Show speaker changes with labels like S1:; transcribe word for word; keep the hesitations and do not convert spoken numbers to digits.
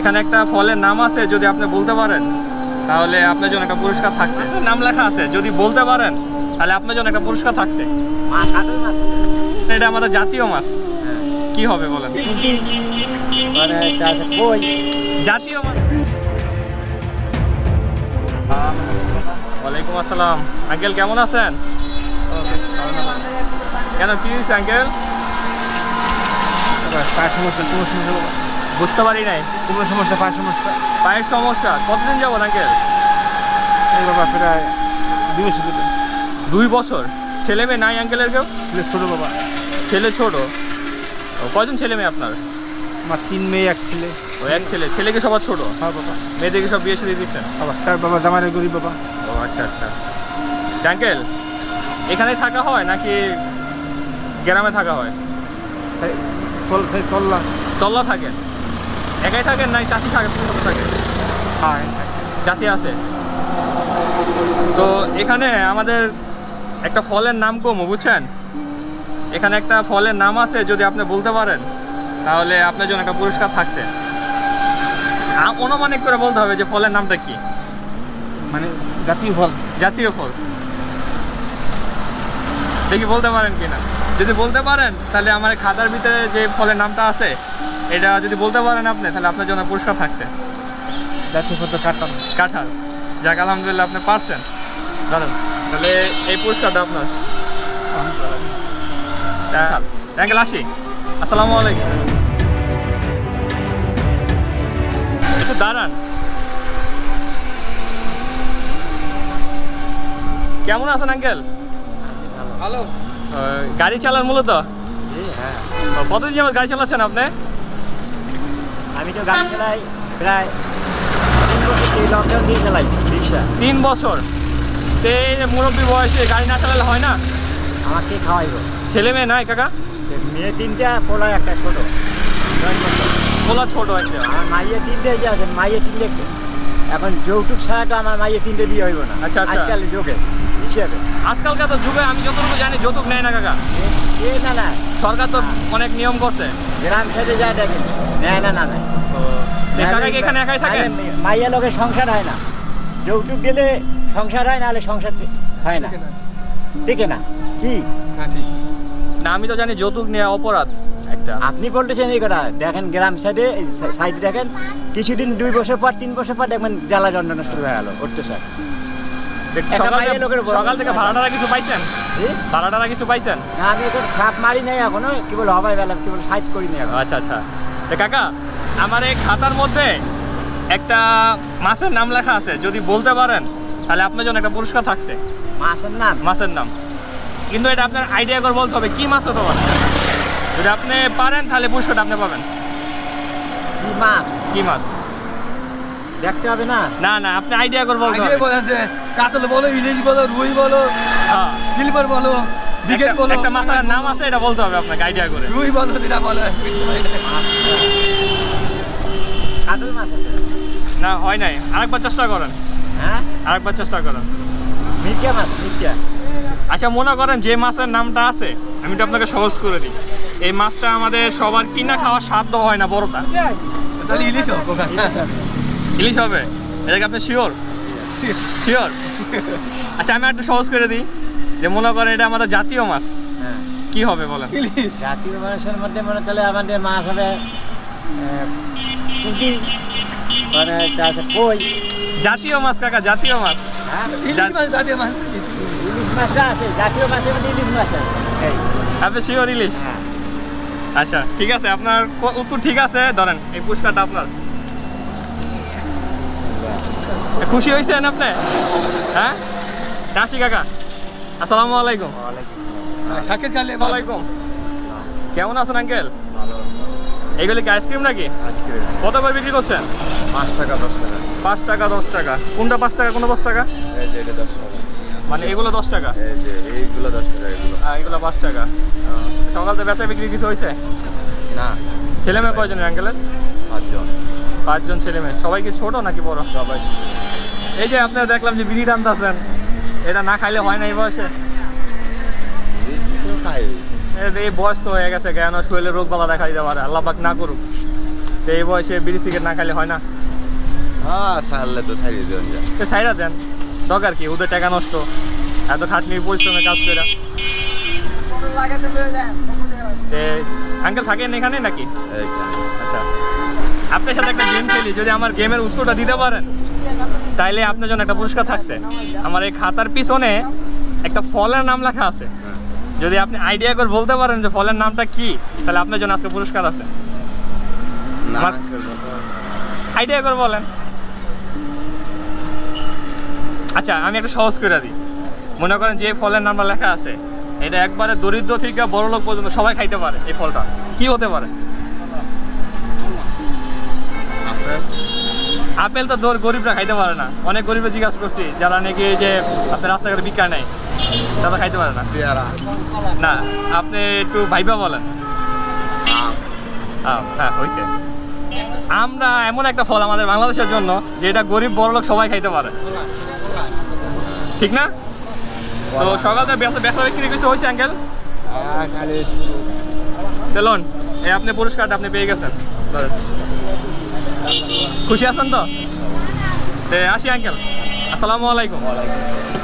S1: এখানে একটা ফলের নাম আছে, যদি আপনি বলতে পারেন তাহলে আপনার জন্য একটা পুরস্কার থাকছে। নাম লেখা আছে, যদি বলতে পারেন তাহলে আপনার জন্য একটা পুরস্কার থাকছে।
S2: মাছ হাটের মাছ আছে।
S1: এটা আমাদের জাতীয় মাছ। কি হবে বলেন?
S2: পুঁটি মানে একটা আছে কই।
S1: জাতীয় মাছ। ওয়ালাইকুম আসসালাম। আঙ্কেল কেমন আছেন? কেন, কি হয়েছে আঙ্কেল?
S2: পায়ের সমস্যা, কোনো সমস্যা
S1: বুঝতে পারি নাই।
S2: কোনো সমস্যা, পায়ের সমস্যা।
S1: পায়ের সমস্যা কতদিন যাবো আঙ্কেল?
S2: এই বাবা প্রায় দুই বছর ধরে।
S1: দুই বছর। ছেলে মেয়ে নাই আঙ্কেলের কেউ?
S2: ছেলে ছোটো বাবা।
S1: ছেলে ছোট? ও, কয়জন ছেলে মেয়ে আপনার?
S2: আমার তিন মেয়ে এক ছেলে।
S1: ও, এক ছেলে। ছেলেকে সবার ছোট?
S2: হ্যাঁ বাবা।
S1: মেয়েদেরকে সব বিয়ে দিয়ে দিচ্ছেন?
S2: বাবা তার বাবা জামাইয়ের গরিব বাবা।
S1: ও আচ্ছা আচ্ছা। আঙ্কেল এখানেই থাকা হয় নাকি গ্রামে থাকা হয়?
S2: চল চললাম।
S1: তল্লা থাকেন? একাই থাকেন নাই চাষি থাকে থাকে?
S2: হ্যাঁ
S1: চাষি আছে। তো এখানে আমাদের একটা ফলের নাম কম, বুঝছেন? এখানে একটা ফলের নাম আছে, যদি আপনি বলতে পারেন তাহলে আপনার জন্য একটা পুরস্কার থাকছে। অনুমানিক করে বলতে হবে যে ফলের নামটা কি।
S2: মানে জাতীয় ফল।
S1: জাতীয় ফল। দেখি বলতে পারেন কিনা। যদি বলতে পারেন তাহলে আমার খাতার ভিতরে যে ফলের নামটা আছে এটা যদি বলতে পারেন আপনি, তাহলে আপনার জন্য পুরস্কার থাকছে।
S2: জাতীয় ফল তো কাঁঠাল।
S1: কাঁঠাল। যাক আলহামদুলিল্লাহ আপনি পারছেন। জানেন, তাহলে এই পুরস্কারটা আপনার। আঙ্কেল আসি। আসসালামু আলাইকুম। একটু দাঁড়ান। কেমন আছেন আঙ্কেল?
S2: ভালো।
S1: গাড়ি চালান মূলত?
S2: হ্যাঁ।
S1: কতদিন যাবত গাড়ি চালাচ্ছেন আপনি?
S2: আমি তো গাড়ি চালাই প্রায় তিন বছর থেকে, লকডাউন দিয়ে চালাই রিক্সা।
S1: তিন বছর? তো এই যে মুরব্বী বয়সে গাড়ি না চালালে হয় না?
S2: আমাকে খাওয়াইব।
S1: ছেলে মেয়ে নাই কাকা?
S2: মেয়ে তিনটা, পোলা একটা ছোট।
S1: পোলা ছোট একটা।
S2: আমার মাইয়ে তিনটে যে আছে, মাইয়ে তিনটে। এখন যৌতুক ছাড়া তো আমার মাইয়ে তিনটে বিয়ে হইব না।
S1: আচ্ছা আচ্ছা।
S2: আজকাল যুগে হিসেবে,
S1: আজকালকার তো যুগে আমি যতটুকু জানি যৌতুক নেয় না কাকা।
S2: এ না না,
S1: সরকার তো অনেক নিয়ম করছে।
S2: গ্রাম সাইডে যায় দেখেন, নেয় না না নেয়।
S1: কাকা কি এখানে একাই থাকে?
S2: মাইয়া লোকের সংসার হয় না, যৌতুক দিলে সংসার হয়, না হলে সংসার হয় না, ঠিক না? কি
S1: না, আমি তো জানি যৌতুক নেওয়া অপরাধ একটা।
S2: আপনি বলতেছেন এই কথা। দেখেন গ্রাম সাইডে, সাইডে দেখেন কিছুদিন, দুই বছর পর তিন বছর পর দেখবেন জ্বালা যন্ত্রণা শুরু হয়ে গেল উঠতে স্যার।
S1: সকাল থেকে ভাড়াটারা কিছু পাইছেন? ভাড়াটারা কিছু পাইছেন?
S2: না, আমি এখন খাপ মারি নাই এখনো, কি বল হবাই বেলা, কি বল সাইড করি নাই এখন।
S1: আচ্ছা আচ্ছা। তো কাকা, আমার এই খাতার মধ্যে একটা মাছের নাম লেখা আছে, যদি বলতে পারেন তাহলে আপনার জন্য একটা পুরস্কার থাকছে।
S2: মাছের নাম?
S1: মাছের নাম, কিন্তু এটা আপনার আইডিয়া করে বলতে হবে কি মাছ হতে পারে। যদি আপনি পারেন তাহলে পুরস্কারটা আপনি পাবেন।
S2: কি মাছ?
S1: কি মাছ
S2: দেখতে হবে না?
S1: না না, আপনি আইডিয়া করে বলতে হবে।
S3: কাতল বলো, ইলিশ বলো, রুই বলো,
S1: হ্যাঁ,
S3: সিলভার বলো, বিকেট বলো।
S1: একটা মাছের নাম আছে, এটা বলতে হবে আপনাকে আইডিয়া করে।
S3: রুই বলো, যেটা বলে।
S2: কাতল মাছ আছে
S1: না, হয় নাই। আরেকবার চেষ্টা করেন।
S2: হ্যাঁ,
S1: আরেকবার চেষ্টা করেন।
S2: মির্জা মাছ, মির্জা।
S1: আচ্ছা, মনে করেন যে মাছের নামটা আছে, আমি তো আপনাকে সহজ করে দিই। এই মাছটা আমাদের সবার কিনা খাওয়ার সাধ্য হয় না, বড়টা।
S3: তাহলে ইলিশ হোক।
S1: ইলিশ হবে? এটাকে আপনি শিওর? শিওর? আচ্ছা, আমি একটু সহজ করে দিই, যে মনে করেন এটা আমাদের জাতীয় মাছ।
S2: হ্যাঁ,
S1: কি হবে বলেন?
S3: ইলিশ।
S2: জাতীয় মাছের মধ্যে মনে করলে আমাদের মাছ হবে পুঁটি, মানে একটা আছে কই।
S1: জাতীয় মাছ কাকা, জাতীয় মাছ।
S2: হ্যাঁ,
S3: ইলিশ মাছ, জাতীয় মাছ।
S2: ইলিশ মাছটা আছে, জাতীয় মাছের মধ্যে ইলিশ মাছ আছে। এই
S1: আপনি শিওর ইলিশ?
S2: হ্যাঁ।
S1: আচ্ছা ঠিক আছে, আপনার ক- উত্তর ঠিক আছে। ধরেন এই পুরস্কারটা আপনার। খুশি হয়েছেন আপনি? হ্যাঁ, আসি কাকা। আসসালামু আলাইকুম।
S3: শাকের কালে
S1: ওয়ালাইকুম। কেমন আছেন আঙ্কেল? এইগুলি কি আইসক্রিম নাকি? কত করে বিক্রি করছেন?
S3: পাঁচ টাকা, দশ টাকা।
S1: পাঁচ টাকা দশ টাকা। কোনটা পাঁচ টাকা, কোনটা দশ টাকা?
S3: এই যে এটা দশ টাকা।
S1: মানে এগুলো দশ টাকা,
S3: এই যে এইগুলো দশ টাকা, এগুলো
S1: আর এগুলো পাঁচ টাকা। সকাল থেকে বেচা বিক্রি কিছু হয়েছে?
S3: না।
S1: ছেলে মেয়ে কয়জন আঙ্কেলের?
S3: পাঁচজন।
S1: পাঁচজন ছেলে মেয়ে। সবাই কি ছোট নাকি বড়?
S3: সবাই।
S1: এই যে আপনারা দেখলাম যে বিড়ি টানতেছেন, এটা না খাইলে হয় না এই বয়সে?
S3: খাই।
S1: এই বয়স তো হয়ে গেছে, কেন শরীরে রোগ বালা দেখা দিতে পারে, আল্লাহ পাক না করুক। তো এই বয়সে বিড়ি সিগারেট না খাইলে হয় না?
S3: হ্যাঁ ছাড়লে তো ছাড়িয়ে দেবেন যা।
S1: তো ছাইরা দেন, দরকার কি ওদের টাকা নষ্ট, এত খাটনির পরিশ্রমে কাজ করে। আঙ্কেল থাকেন এখানে নাকি?
S3: এইখানে
S1: আচ্ছা, আপনার সাথে একটা গেম খেলি, যদি আমার গেমের উত্তরটা দিতে পারেন তাইলে আপনার জন্য একটা পুরস্কার থাকছে। আমার এই খাতার পিছনে একটা ফলের নাম লেখা আছে, যদি আপনি আইডিয়া করে বলতে পারেন যে ফলের নামটা কি, তাহলে আপনার জন্য আজকে পুরস্কার আছে।
S3: না
S1: আমার- আইডিয়া করে বলেন। আচ্ছা, আমি একটা সহজ করে দিই। মনে করেন যে ফলের নামটা লেখা আছে, এটা একবারে দরিদ্র থেকে বড় লোক পর্যন্ত সবাই খাইতে পারে। এই ফলটা কি হতে পারে?
S3: আপেল
S1: আপেল তো দর গরিবরা খাইতে পারে না। অনেক গরিবরা জিজ্ঞাসা করছি, যারা নাকি এই যে আপনার রাস্তাঘাটে বিক্রি নেয়, তারা খাইতে পারে না।
S3: পেয়ারা
S1: না, আপনি একটু ভাইবা বলেন।
S3: আম
S1: আম, হ্যাঁ হয়েছে। আমরা এমন একটা ফল আমাদের বাংলাদেশের জন্য যে এটা গরিব বড় লোক সবাই খাইতে পারে, ঠিক না? তো সকাল থেকে বেসা বেসা বিক্রি কিছু হয়েছে আঙ্কেল?
S3: আহ, খালি
S1: তেলন এই আপনি পুরস্কারটা আপনি পেয়ে গেছেন, ধরেন। খুশি আছেন তো? তে আসি আঙ্কেল, আসসালামু আলাইকুম।
S3: ওয়ালাইকুম